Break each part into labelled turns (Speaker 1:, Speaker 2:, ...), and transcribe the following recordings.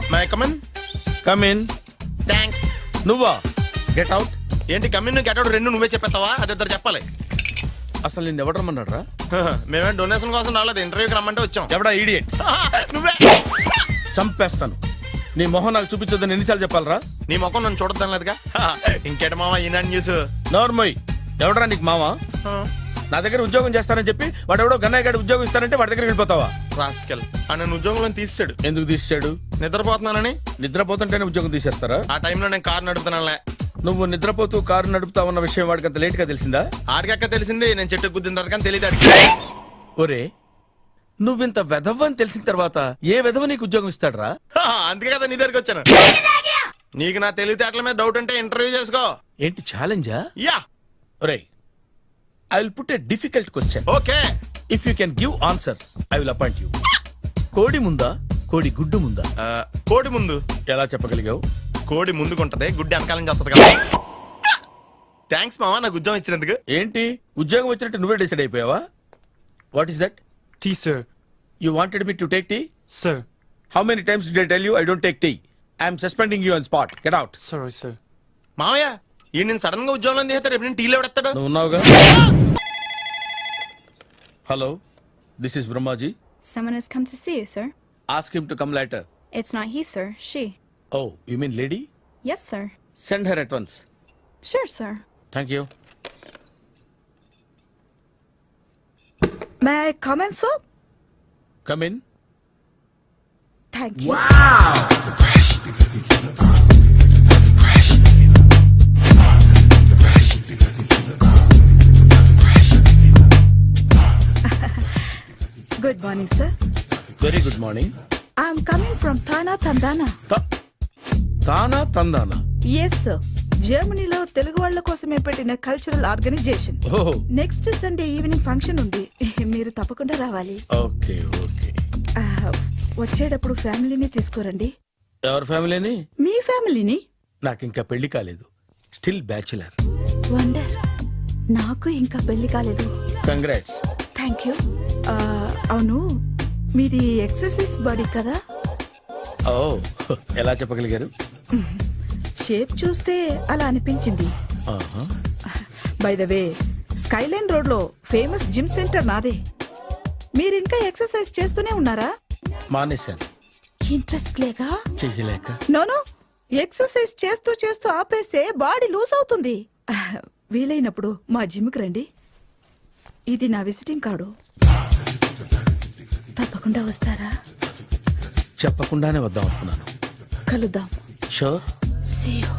Speaker 1: My come on.
Speaker 2: Come in.
Speaker 1: Thanks.
Speaker 2: నువ్వా? Get out.
Speaker 1: ఏంటి come in get out రెండు నువ్వే చెప్పేస్తావా? అది ఇద్దరు చెప్పాలి.
Speaker 2: అసలు నిన్ను ఎవడు రమ్మన్నాడు రా?
Speaker 1: మేమే డొనేషన్ కోసం రాలేదు, ఇంటర్వ్యూకి రమ్మంటే వచ్చాం.
Speaker 2: ఎవడా ఈడియట్?
Speaker 1: నువ్వే.
Speaker 2: చంపేస్తాను. నీ మొహం నాకు చూపించొద్దని ఎన్నిసార్లు చెప్పాలరా?
Speaker 1: నీ ముఖం నన్ను చూడద్దాం లేదుగా. ఇంకేట మామ ఈనాడు న్యూస్.
Speaker 2: నోర్మోయ్. ఎవడరా నీకు మావా? నా దగ్గర ఉద్యోగం చేస్తానని చెప్పి వాడు ఎవడో గన్నయ్య గడి ఉద్యోగం ఇస్తానంటే వాడి దగ్గర వెళ్ళిపోతావా?
Speaker 1: రాస్కెల్. ఆ నన్ను ఉద్యోగంలో తీసాడు.
Speaker 2: ఎందుకు తీసాడు?
Speaker 1: నిద్రపోతున్నానని.
Speaker 2: నిద్రపోతుంటేనే ఉద్యోగం తీసేస్తారా?
Speaker 1: ఆ టైంలో నేను కారు నడుపుతున్నానులే.
Speaker 2: నువ్వు నిద్రపోతూ కారు నడుపుతా ఉన్న విషయం వాడికి అంత లేట్ గా తెలిసిందా?
Speaker 1: ఆడికక్క తెలిసింది, నేను చెట్టు గుద్దిన తర్వాత కానీ తెలియదు.
Speaker 2: ఒరే, నువ్వింత వెధవ అని తెలిసిన తర్వాత ఏ వెధవ నీకు ఉద్యోగం ఇస్తాడరా?
Speaker 1: అందుకే కదా నీ దగ్గరికి వచ్చాను. నీకు నా తెలివితేటల మీద డౌట్ అంటే ఇంటర్వ్యూ చేసుకో.
Speaker 2: ఏంటి ఛాలెంజా?
Speaker 1: యా.
Speaker 2: ఒరే, I will put a difficult question.
Speaker 1: Okay.
Speaker 2: If you can give answer I will appoint you. కోడి ముందా, కోడి గుడ్డు ముందా?
Speaker 1: కోడి ముందు.
Speaker 2: ఎలా చెప్పగలిగావు?
Speaker 1: కోడి ముందుకుంటది, గుడ్డి వెనకాలం చేస్తుంది కదా. థ్యాంక్స్ మామా నాకు ఉద్యోగం ఇచ్చినందుకు.
Speaker 2: ఏంటి ఉద్యోగం వచ్చినట్టు నువ్వే డిసైడ్ అయిపోయావా? What is that?
Speaker 3: Tea, sir.
Speaker 2: You wanted me to take tea?
Speaker 3: Sir.
Speaker 2: How many times did I tell you I don't take tea? I am suspending you on spot. Get out.
Speaker 3: Sorry, sir.
Speaker 1: మామయ్య ఈ నేను sudden గా ఉద్యోగంలో తీస్తాడు. రేపు నేను టీలో పెడతాడు.
Speaker 2: నువ్వు ఉన్నావుగా. Hello, this is Brahmaji.
Speaker 4: Someone has come to see you, sir.
Speaker 2: Ask him to come later.
Speaker 4: It's not he, sir. She.
Speaker 2: Oh, you mean lady?
Speaker 4: Yes, sir.
Speaker 2: Send her at once.
Speaker 4: Sure, sir.
Speaker 2: Thank you.
Speaker 5: May I come in, sir?
Speaker 2: Come in.
Speaker 5: Thank you. Good morning, sir.
Speaker 2: Very good morning.
Speaker 5: I'm coming from Thana, Tandana.
Speaker 2: తానా తందానా?
Speaker 5: Yes, sir. జర్మనీలో తెలుగు వాళ్ళ కోసమే పెట్టిన cultural organisation.
Speaker 2: ఓహో.
Speaker 5: Next Sunday evening function ఉంది, మీరు తప్పకుండా రావాలి.
Speaker 2: Okay okay.
Speaker 5: వచ్చేటప్పుడు ఫ్యామిలీని తీసుకురండి.
Speaker 2: ఎవరి ఫ్యామిలీని?
Speaker 5: మీ ఫ్యామిలీని.
Speaker 2: నాకు ఇంకా పెళ్లి కాలేదు. Still bachelor.
Speaker 5: వండర్. నాకు ఇంకా పెళ్లి కాలేదు.
Speaker 2: కంగ్రాట్స్.
Speaker 5: Thank you. అవును, మీది ఎక్సర్సైజ్ బాడీ కదా?
Speaker 2: ఓ, ఎలా చెప్పగలిగారు?
Speaker 5: షేప్ చూస్తే అలా అనిపించింది. By the way, skyline road లో ఫేమస్ జిమ్ సెంటర్ నాదే. మీరు ఇంకా ఎక్సర్సైజ్ చేస్తూనే ఉన్నారా?
Speaker 2: మానేశాను.
Speaker 5: ఇంట్రెస్ట్ లేక?
Speaker 2: చెయ్యలేక.
Speaker 5: నోను, ఎక్సర్సైజ్ చేస్తూ చేస్తూ ఆపేస్తే బాడీ లూజ్ అవుతుంది. వీలైనప్పుడు మా జిమ్కి రండి. ఇది నా విజిటింగ్ కార్డు. తప్పకుండా వస్తారా?
Speaker 2: చెప్పకుండానే వద్దాం అనుకున్నాను.
Speaker 5: కలుద్దాం.
Speaker 2: షూర్.
Speaker 5: See you.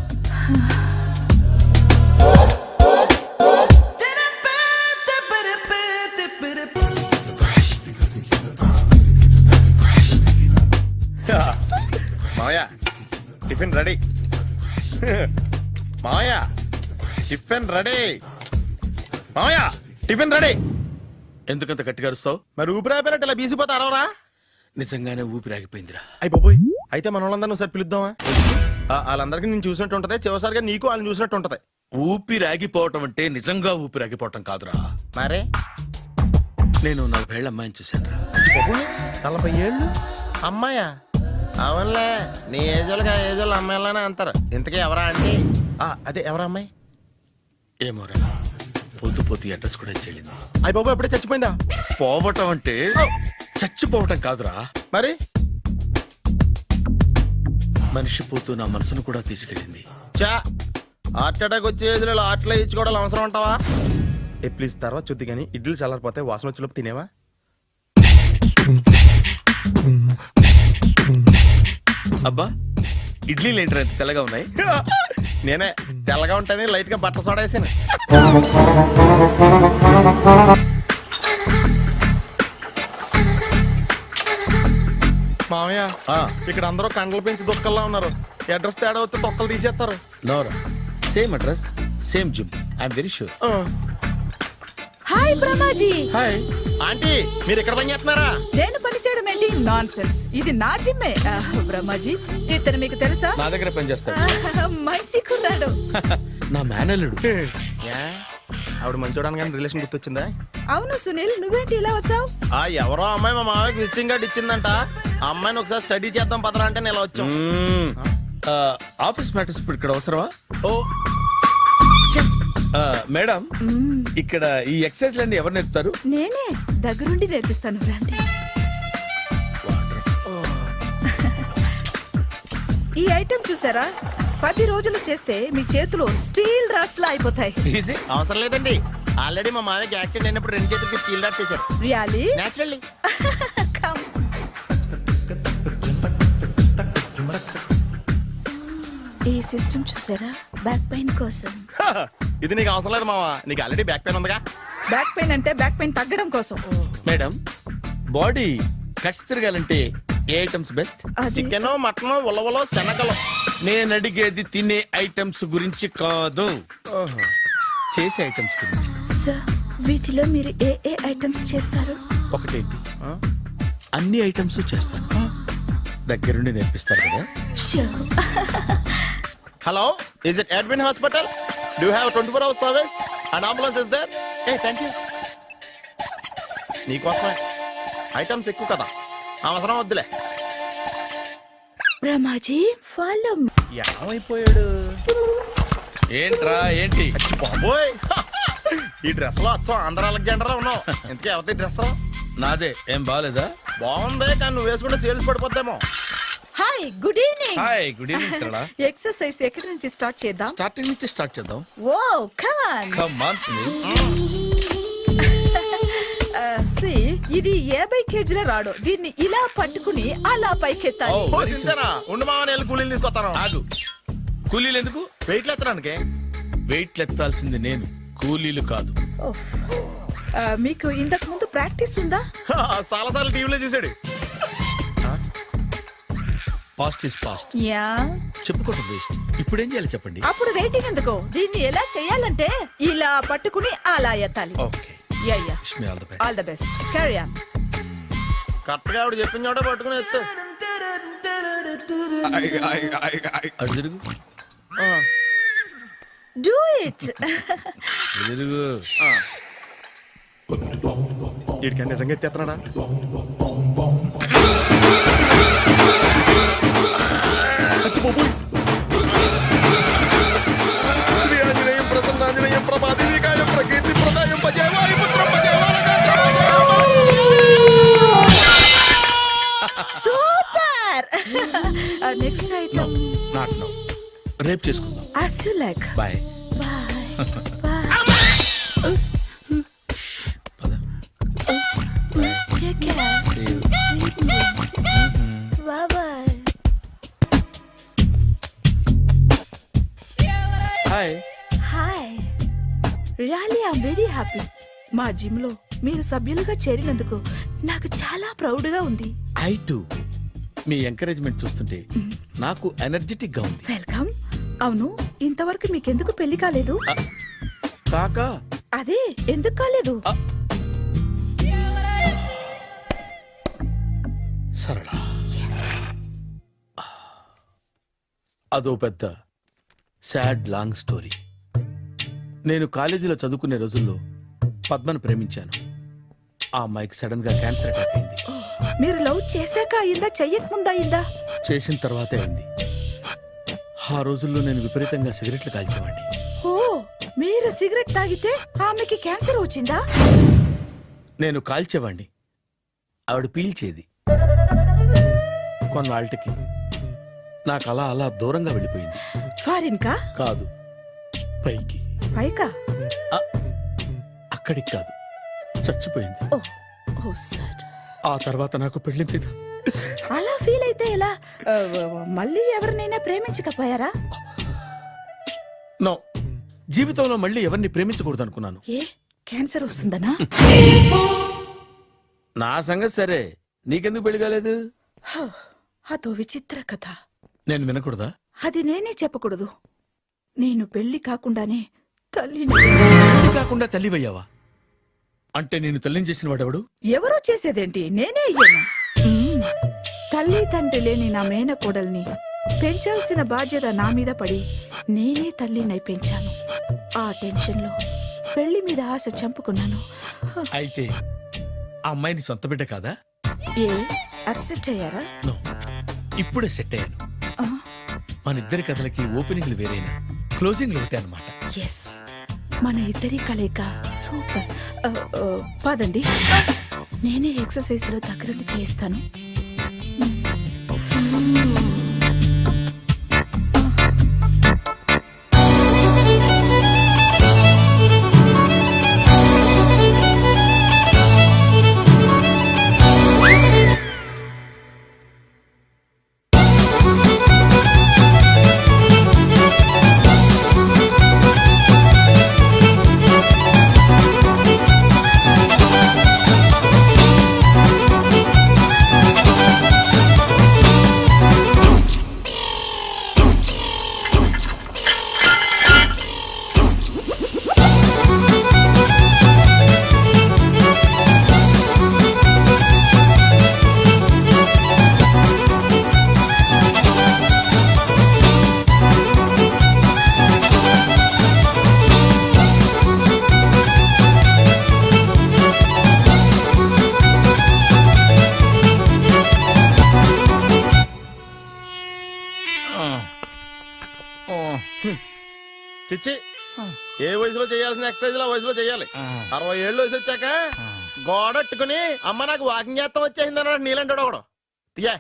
Speaker 1: మామయ్య టిఫిన్ రెడీ. మామయ్య టిఫిన్ రెడీ. మామయ్య టిఫిన్ రెడీ.
Speaker 2: ఎందుకంత గట్టిగా అరుస్తావు?
Speaker 1: మరి ఊపిరి అయిపోయినట్టు ఇలా బీసిపోతే అరవరా?
Speaker 2: నిజంగానే ఊపిరాగిపోయిందిరా.
Speaker 1: అయ్యి బాబోయ్, అయితే మన వాళ్ళందరినీ ఒకసారి పిలుద్దామా? వాళ్ళందరికీ నేను చూసినట్టు ఉంటది, చివరిసారిగా నీకు వాళ్ళని చూసినట్టు ఉంటది.
Speaker 2: ఊపిరాగిపోవటం అంటే నిజంగా ఊపిరాగిపోవటం కాదురా.
Speaker 1: మరే
Speaker 2: నేను 40 ఏళ్ల అమ్మాయిని చూశాను రా.
Speaker 1: 40 ఏళ్ళు అమ్మాయా? అవునులే, నీ ఏజోళ్ళకి ఆ ఏజోళ్ళు అమ్మాయిలానే అంటారు. ఇంతకీ ఎవరా అంటే? అదే ఎవరా అమ్మాయి?
Speaker 2: ఏమోరా, పొద్దు పొద్దు అడ్రస్ కూడా చెల్లింది.
Speaker 1: అయ్యి బాబు ఎప్పుడే చచ్చిపోయిందా?
Speaker 2: పోవటం అంటే చచ్చిపోవటం కాదురా.
Speaker 1: మరి
Speaker 2: మనిషి పోతూ నా మనసును కూడా తీసుకెళ్ళింది.
Speaker 1: చా, హార్ట్ అటాక్ వచ్చే ఏజ్లో హార్ట్లో ఇచ్చుకోవడం అవసరం ఉంటావా? ప్లీజ్ తర్వాత చూద్ది కానీ ఇడ్లీలు చల్లారిపోతే వాసన వచ్చేలోపు తినేవా?
Speaker 2: అబ్బా, ఇడ్లీలు ఏంటి ఎంత తెల్లగా ఉన్నాయి?
Speaker 1: నేనే తెల్లగా ఉంటానే లైట్ గా బట్టలు సోడేసాను. మామయ్య, ఇక్కడ అందరూ కండలు పెంచి దుక్కల్లా ఉన్నారు. అడ్రస్ తేడా వస్తే తొక్కలు తీసేస్తారు.
Speaker 2: నోరా, same address same gym. I'm very sure.
Speaker 5: Hi Brahmaji.
Speaker 2: Hi
Speaker 1: aunty, మీరు ఇక్కడ పని చేస్తున్నారా?
Speaker 5: నేను పని చేయడం ఏంటి? Nonsense. ఇది నా జిమ్మే. బ్రహ్మాజీ, ఇతను మీకు తెలుసా?
Speaker 2: నా దగ్గర పని చేస్తాడు.
Speaker 5: మంచి కుర్రాడు.
Speaker 2: నా మేనల్లుడు.
Speaker 1: ఆవిడ మంచి చూడడానికి రిలేషన్ గుర్తొచ్చిందా?
Speaker 5: అవును సునీల్, నువ్వేంటి ఇలా వచ్చావు?
Speaker 1: ఆ ఎవరో అమ్మాయి మా మామయ్యకి విజిటింగ్ కార్డ్ ఇచ్చిందంట. ఆ అమ్మాయిని ఒకసారి స్టడీ చేద్దాం పదరా అంటే నేను ఇలా వచ్చాం.
Speaker 2: ఆఫీస్ మ్యాటర్స్ ఇప్పుడు ఇక్కడ అవసరమా? ఓ మేడం, ఇక్కడ ఈ ఎక్సర్సైజ్ లన్నీ ఎవరు నేర్పుతారు?
Speaker 5: నేనే దగ్గరుండి నేర్పిస్తాను, రండి. ఈ ఐటెం చూసారా? 10 రోజులు చేస్తే మీ చేతులు స్టీల్ రాట్స్ లా అయిపోతాయి.
Speaker 2: ఈజీ.
Speaker 1: అవసరం లేదండి, ఆల్రెడీ మా మామయ్యకి యాక్సిడెంట్ అయినప్పుడు 2 చేతులకి స్టీల్ డాట్ చేశారు.
Speaker 5: రియాలీ?
Speaker 1: నేచురల్లీ.
Speaker 5: ఈ సిస్టమ్ చూసారా? బ్యాక్ పెయిన్ కోసం.
Speaker 1: ఇది నీకు అవసరం లేదు మావా, నీకు ఆల్రెడీ బ్యాక్ పెయిన్ ఉందిగా.
Speaker 5: బ్యాక్ పెయిన్ అంటే బ్యాక్ పెయిన్ తగ్గడం కోసం.
Speaker 2: మేడం, బాడీ కట్స్ తిరగాలంటే ఏ ఐటమ్స్ బెస్ట్?
Speaker 5: అది
Speaker 1: చికెన్, మటన్, ఉలవలో, శనగలు.
Speaker 2: నేను అడిగేది తినే ఐటమ్స్ గురించి కాదు, చేసే ఐటమ్స్ గురించి.
Speaker 4: సార్ వీటిలో మీరు ఏ ఐటమ్స్ చేస్తారు?
Speaker 2: ఒకటేంటి, అన్ని ఐటమ్స్ చేస్తాను. దగ్గరుండి నేర్పిస్తారు కదా.
Speaker 1: Hello, is it admin hospital? Do have 24 hours service and ambulance is there? ఏ థ్యాంక్ యూ. నీకోసమే ఐటమ్స్ ఎక్కువ కదా, అవసరం వద్దులే.
Speaker 5: రమాజీ ఫాలో.
Speaker 1: ఏమైపోయాడు?
Speaker 2: ఏంట్రా ఏంటి?
Speaker 1: బాబోయ్, ఈ డ్రెస్ లో వచ్చాం ఆంధ్ర అలెగ్జాండర్ ఉన్నావు. ఇంతకీ ఎవరి డ్రెస్?
Speaker 2: నాదే. ఏం బాగాలేదా?
Speaker 1: బాగుంది, కానీ నువ్వు వేసుకుంటే సేల్స్ పడిపోద్దేమో.
Speaker 5: Hi, good evening.
Speaker 2: Hi, good evening Sarala.
Speaker 5: Exercise ఎక్కడి నుంచి స్టార్ట్ చేద్దాం?
Speaker 2: స్టార్టింగ్ నుంచి స్టార్ట్ చేద్దాం.
Speaker 5: Oh come on.
Speaker 2: Come on Sunil.
Speaker 5: సి, ఇది 50 కేజీల రాడు. దీన్ని ఇలా పట్టుకుని అలా పైకెత్తాలి.
Speaker 2: Oh.
Speaker 1: ఓ, చింతేనా? ఉండు మామ, నేను కూలీలు తీసుకొస్తాను.
Speaker 2: ఆగు. కూలీలు ఎందుకు?
Speaker 1: వెయిట్లు ఎత్తడానికి.
Speaker 2: వెయిట్ ఎత్తాల్సింది నేను, కూలీలు కాదు.
Speaker 5: ఓహ్. మీకు ఇంతకు ముందు ప్రాక్టీస్ ఉందా?
Speaker 1: చాలా సార్లు టీవీలో చూసాడు.
Speaker 2: Past is past,
Speaker 5: yeah.
Speaker 2: చెప్పుకోవడం వేస్ట్. ఇప్పుడు ఏం చేయాలి చెప్పండి.
Speaker 5: అప్పుడు వెయిటింగ్ ఎందుకు? దీన్ని ఎలా చేయాలంటే ఇలా పట్టుకుని అలా ఎత్తాలి.
Speaker 2: Okay,
Speaker 5: yeah yeah.
Speaker 2: Wish me all the best.
Speaker 5: All the best. Carry on.
Speaker 1: Correct గా ఆవిడ చెప్పిన చోట పట్టుకుని ఎత్తు.
Speaker 2: అటు తిరుగు,
Speaker 5: డూ ఇట్.
Speaker 2: అటు తిరుగు.
Speaker 1: వీడికి నిజంగా ఎత్తేస్తున్నాడా? శ్రీ ఆంజనేయం ప్రసన్నాంజనేయం ప్రభాదేవికాయం ప్రకీర్తి ప్రదాయం భజేవాయు పుత్రం
Speaker 5: super. Next item.
Speaker 2: Not now, రేపు చేసుకుందాం.
Speaker 5: as you like.
Speaker 2: Bye.
Speaker 5: Bye. Bye.
Speaker 2: పద.
Speaker 5: Take care.
Speaker 2: See you.
Speaker 5: Sweet dreams. Bye bye.
Speaker 2: హాయ్.
Speaker 5: హాయ్. Really I'm very happy. మా జిమ్ లో మీరు సభ్యులుగా చేరినందుకు నాకు చాలా ప్రౌడ్ గా ఉంది.
Speaker 2: I to. మీ ఎంకరేజ్మెంట్ చూస్తుంటే నాకు ఎనర్జెటిక్ గా ఉంది.
Speaker 5: వెల్కమ్. అవును, ఇంతవరకు మీకెందుకు పెళ్లి కాలేదు?
Speaker 2: కాకా,
Speaker 5: అదే ఎందుకు కాలేదు?
Speaker 2: సరళ, అదో పెద్ద సాడ్ లాంగ్ స్టోరీ. నేను కాలేజీలో చదువుకునే రోజుల్లో పద్మను ప్రేమించాను. ఆ అమ్మాయికి సడన్ గా క్యాన్సర్ అటాక్ అయింది.
Speaker 5: మీరు లవ్ చేశాక అయిందా, చెయ్యక ముందా అయిందా?
Speaker 2: చేసిన తర్వాతే అయింది. ఆ రోజుల్లో నేను విపరీతంగా సిగరెట్లు కాల్చేవాడిని.
Speaker 5: ఓ, మీరు సిగరెట్ తాగితే ఆమెకి క్యాన్సర్ వచ్చిందా?
Speaker 2: నేను కాల్చేవాణ్ణి, ఆవిడ పీల్చేది. కొన్నాళ్ళకి నాకు అలా అలా దూరంగా వెళ్ళిపోయింది.
Speaker 5: ఫారిన్ కా?
Speaker 2: కాదు, పైకి.
Speaker 5: పైకా?
Speaker 2: అక్కడికి కాదు, చచ్చిపోయింది.
Speaker 5: ఓ ఓ సార్.
Speaker 2: ఆ తర్వాత నాకు పెళ్లి మీద
Speaker 5: అలా ఫీల్ అయితే ఎలా? మళ్ళీ ఎవరినైనా ప్రేమించకపోయారా?
Speaker 2: నో, జీవితంలో మళ్ళీ ఎవరిని ప్రేమించకూడదు అనుకున్నాను.
Speaker 5: ఏ, క్యాన్సర్ వస్తుందనా?
Speaker 2: నా సంగతి సరే, నీకెందుకు పెళ్లి కాలేదు?
Speaker 5: అదో విచిత్ర కథ.
Speaker 2: నేను వినకూడదా?
Speaker 5: అది నేనే చెప్పకూడదు. నేను పెళ్లి కాకుండానే తల్లిని.
Speaker 2: పెళ్లి కాకుండా తల్లివయ్యావా? అంటే నేను తల్లిని చేసిన వాడెవడు?
Speaker 5: ఎవరో చేసేదేంటి, నేనే అయ్యాను. తల్లి తండ్రి లేని నా మేనకోడల్ని పెంచాల్సిన బాధ్యత నా మీద పడి నేనే తల్లినై పెంచాను. ఆ టెన్షన్లో పెళ్లి మీద ఆశ చంపుకున్నాను.
Speaker 2: అయితే ఆ అమ్మాయిని సొంత బిడ్డ కాదా?
Speaker 5: ఏ అప్సెట్ అయ్యారా?
Speaker 2: నో, ఇప్పుడే సెట్ అయ్యాను.
Speaker 5: ఆ,
Speaker 2: మన ఇద్దరి కథలకి ఓపెనింగ్లు వేరైనా క్లోజింగ్లు ఒకటే అనమాట.
Speaker 5: ఎస్, మన ఇద్దరి కలయిక సూపర్. పదండి, నేనే ఎక్సర్సైజ్ లో దగ్గరుండి చేయిస్తాను.
Speaker 1: చిచ్చి, ఏ వయసులో చేయాల్సిన ఎక్సర్సైజ్ ఆ వయసులో చేయాలి. 60 ఏళ్ళు వయసు వచ్చాక గోడట్టుకుని అమ్మ నాకు వాకింగ్ చేస్తాం వచ్చేసింది అన్నాడు నీలంటాడు ఒకడు. తీయా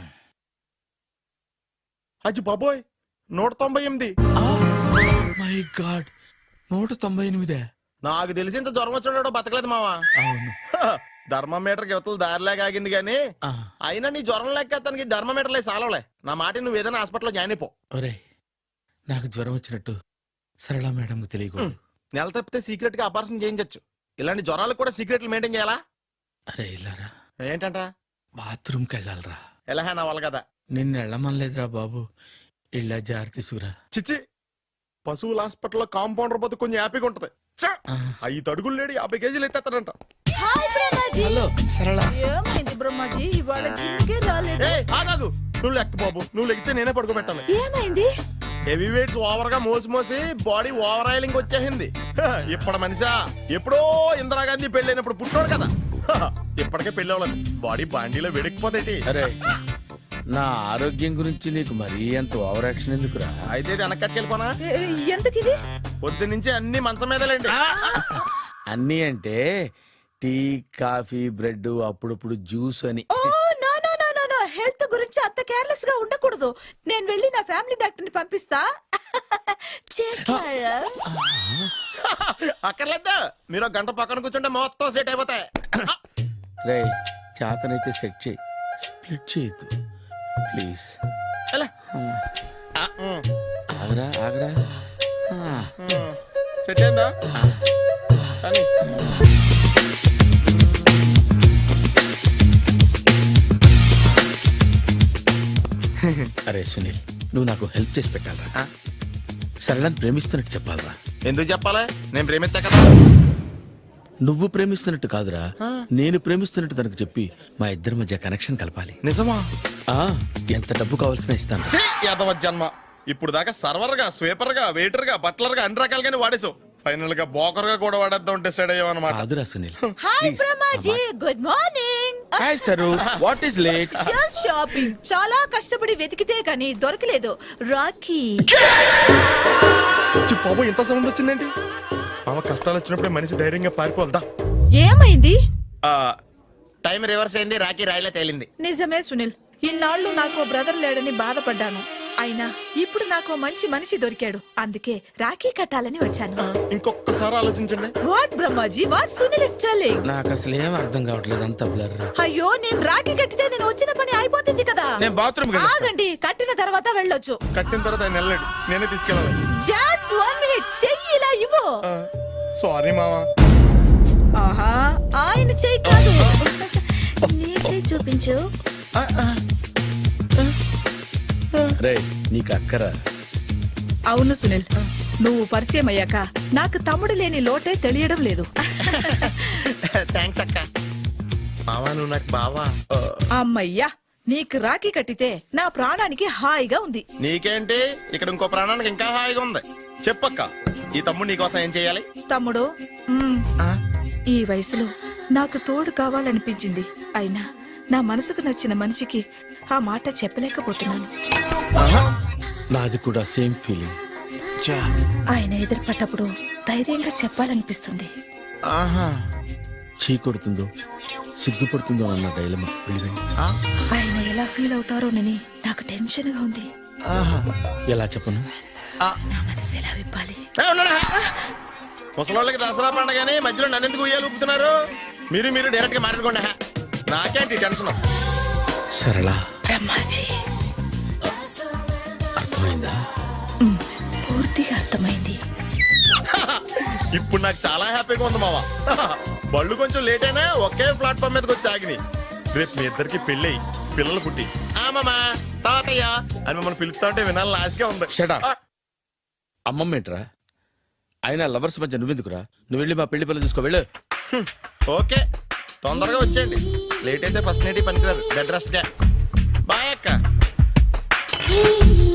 Speaker 1: అచ్చి బాబోయ్, 198.
Speaker 2: My God, 198.
Speaker 1: నాకు తెలిసి ఇంత జ్వరం వచ్చాడు బతకలేదు మావా.
Speaker 2: అవును.
Speaker 1: ధర్మమీటర్ యువతలు దారిలాగా ఆగింది గానీ అయినా నీ జ్వరం లెక్క అతనికి ధర్మమీటర్లే సాలవలే. నా మాట నువ్వు ఏదైనా హాస్పిటల్లో జాయిన్ అయిపో.
Speaker 2: ఒరే, నాకు జ్వరం వచ్చినట్టు సరళ మేడం తెలియకూడదు.
Speaker 1: నెల తప్పితే సీక్రెట్ గా ఆపరేషన్ చేయించచ్చు. ఇలాంటి జ్వరాలకు కూడా సీక్రెట్లు మెయింటైన్ చేయాలా?
Speaker 2: అరే ఇల్లారా,
Speaker 1: ఏంటంట?
Speaker 2: బాత్రూమ్కి వెళ్ళాలరా.
Speaker 1: ఎలా నా వాళ్ళ కదా.
Speaker 2: నిన్ను వెళ్ళమనలేదురా బాబు, ఇళ్ళ జారి తీసుకురా.
Speaker 1: చిచ్చి, పశువుల హాస్పిటల్లో కాంపౌండర్ బతు కొంచెం హ్యాపీగా ఉంటది. 5 అడుగులు లేడి 50 కేజీలు ఎత్తేస్తాడంట.
Speaker 5: హాయ్ బ్రహ్మాజీ.
Speaker 2: హలో సరళ.
Speaker 5: ఏమైంది బ్రహ్మాజీ, ఇవాళ జిమ్కే రాలేదు?
Speaker 1: ఏ ఆగాగు, నువ్వు లెక్క బాబు, నువ్వు లెక్కితే నేనే పడుకోబెట్టాలి.
Speaker 5: ఏమైంది?
Speaker 1: హెవీ వెయిట్స్ ఓవర్ గా మోసి మోసి బాడీ ఓవర్ ఆయిలింగ్ వచ్చేసింది. ఇప్పుడు మనిషా ఎప్పుడో ఇందిరాగాంధీ పెళ్ళైనప్పుడు పుట్టాడు కదా, ఇప్పటికే పెళ్ళి అవ్వలేదు. బాడీ బాండీలో వెడికిపోతేటి.
Speaker 2: అరే, నా ఆరోగ్యం గురించి నీకు మరీ అంత ఓవర్ యాక్షన్ ఎందుకురా?
Speaker 1: అయితే ఇది వెనకట్టుకెళ్ళిపోనా?
Speaker 5: ఎందుకు ఇది?
Speaker 1: పొద్దు నుంచి అన్ని మంచం మీదలేండి.
Speaker 2: అన్నీ అంటే టీ, కాఫీ, బ్రెడ్, అప్పుడప్పుడు జ్యూస్ అని.
Speaker 5: Oh no no no no no, health గురించి అంత కేర్లెస్ గా ఉండకూడదు. నేను వెళ్ళి నా ఫ్యామిలీ డాక్టర్ ని పంపిస్తా. చేస్తారా?
Speaker 1: అక్కర్లేదా, మీరు ఒక గంట పక్కన కూర్చుంటే మొత్తం సెట్ అయిపోతాయి.
Speaker 2: రే, చేతనైతే సెట్ చేయి, స్ప్లిట్ చేయొద్దు ప్లీజ్.
Speaker 1: ఎలా?
Speaker 2: ఆగరా ఆగరా.
Speaker 1: సెట్ అయిందా? కానీ
Speaker 2: అరే సునీల్, నువ్వు నాకు హెల్ప్ చేసి పెట్టాలరా. సరళని ప్రేమిస్తున్నట్టు చెప్పాలరా.
Speaker 1: ఎందుకు చెప్పాలి? నేను ప్రేమిస్తా కదా.
Speaker 2: నువ్వు ప్రేమిస్తున్నట్టు కాదురా, నేను ప్రేమిస్తున్నట్టు తనకు చెప్పి మా ఇద్దరి మధ్య కనెక్షన్ కలపాలి.
Speaker 1: నిజమా?
Speaker 2: ఆ, ఎంత డబ్బు కావాల్సిన ఇస్తాను.
Speaker 1: యాదవ జన్మ, ఇప్పుడు దాకా సర్వర్ గా, స్వీపర్ గా, వెయిటర్ గా, బట్లర్ గా అన్ని రకాలుగానే వాడేసావు. ఫైనల్ గా బోకర్ గా కూడా వాడేద్దాం డిసైడ్ అయ్యామన్నమాట.
Speaker 2: కాదురా Sunil.
Speaker 5: Hi Brahmaji, good morning.
Speaker 2: Hi Saru, what is late?
Speaker 5: Just shopping. చాలా కష్టపడి వెతికితే కానీ దొరకలేదు. రాఖీ.
Speaker 1: బాబు ఇంత సౌండ్ వచ్చిందేంటి? మామ కష్టాలు వచ్చినప్పుడే మనిషి ధైర్యంగా పారిపోల్దా.
Speaker 5: ఏమైంది?
Speaker 1: టైం రివర్స్ అయింది, రాఖీ రాయిలా తేలింది.
Speaker 5: నిజమే సునీల్, ఇన్నాళ్ళు నాకు బ్రదర్ లేడని బాధపడ్డాను. అయినా ఇప్పుడు నాకు మంచి మనిషి దొరికాడు. అందుకే రాఖీ కట్టాలని వచ్చాను.
Speaker 1: ఇంకొకసారి ఆలోచించండి.
Speaker 5: What Brahmaji, what Sunil is telling?
Speaker 2: నాకు అసలు ఏం అర్థం కావట్లేదు, అంత బ్లర్.
Speaker 5: అయ్యో, నేను రాఖీ కట్టితే నేను వచ్చిన పని అయిపోతుంది కదా.
Speaker 2: నేను బాత్రూమ్
Speaker 5: ఆగండి, కట్టిన తర్వాత వెళ్ళొచ్చు.
Speaker 1: కట్టిన తర్వాత ఆయన వెళ్ళాడు, నేనే తీసుకెళ్ళాలి.
Speaker 5: జస్ట్ 1 మినిట్, చెయ్యి ఇలా ఇవ్వు.
Speaker 1: సారీ మామా.
Speaker 5: ఆహా, ఆయన చెయ్యి కాదు, నీ చెయ్యి చూపించు.
Speaker 2: రే, నీకు అక్కరా?
Speaker 5: అవును సునీల్, నువ్వు పరిచయం అయ్యాక నాకు తమ్ముడు లేని లోటే తెలియడం లేదు.
Speaker 1: థ్యాంక్స్ అక్క. మావా, నువ్వు నాకు బావా.
Speaker 5: అమ్మయ్యా, నీకు రాఖీ కట్టితే నా ప్రాణానికి హాయిగా ఉంది.
Speaker 1: నీకేంటి ఇక్కడ ఇంకో ప్రాణానికి ఇంకా హాయిగా ఉంది. చెప్పక్క, ఈ తమ్ముడు నీకోసం ఏం చేయాలి?
Speaker 5: తమ్ముడు, ఈ వయసులో నాకు తోడు కావాలనిపించింది. అయినా నా మనసుకు నచ్చిన మనిషికి ఆ మాట చెప్పలేకపోతున్నాను.
Speaker 2: నాది కూడా సేమ్ ఫీలింగ్.
Speaker 4: ఆయన ఎదురుపడ్డప్పుడు ధైర్యంగా చెప్పాలనిపిస్తుంది.
Speaker 2: చీ కొడుతుందో సిగ్గుపడుతుందో అన్న డైలమా వెళ్ళిపోయింది.
Speaker 4: ఆయన ఎలా ఫీల్ అవుతారోనని నాకు టెన్షన్ గా ఉంది.
Speaker 2: ఎలా చెప్పను?
Speaker 4: నా మనసు ఎలా విప్పాలి?
Speaker 1: ముసలోళ్ళకి దసరా పండగని మధ్యలో నన్ను ఎందుకు ఉయ్యాలు ఊపుతున్నారు? మీరు డైరెక్ట్ గా మాట్లాడుకోండి. నాకేంటి టెన్షన్?
Speaker 2: సరళ,
Speaker 4: బ్రహ్మాజీ,
Speaker 2: అర్థమైందా?
Speaker 4: పూర్తిగా అర్థమైంది.
Speaker 1: ఇప్పుడు నాకు చాలా హ్యాపీగా ఉంది మావా. బళ్ళు కొంచెం లేట్ అయినా ఒకే ప్లాట్ఫామ్ మీదకి వచ్చి ఆగినాయి. రేపు మీ ఇద్దరికి పెళ్ళి పిల్లలు పుట్టి మామా తాతయ్య అని మమ్మల్ని పిలుస్తా ఉంటే వినాలని ఆశగా ఉంది.
Speaker 2: Shut up. అమ్మమ్మ ఏంట్రా? అయినా లవర్స్ మధ్య నువ్వెందుకురా? నువ్వు వెళ్ళి మా పెళ్లి పిల్లలు తీసుకో వెళ్ళు.
Speaker 1: ఓకే, తొందరగా వచ్చేయండి. లేట్ అయితే ఫస్ట్ నైట్ పనికిరారు. బెడ్ రెస్ట్ గా. బాయ్ అక్క.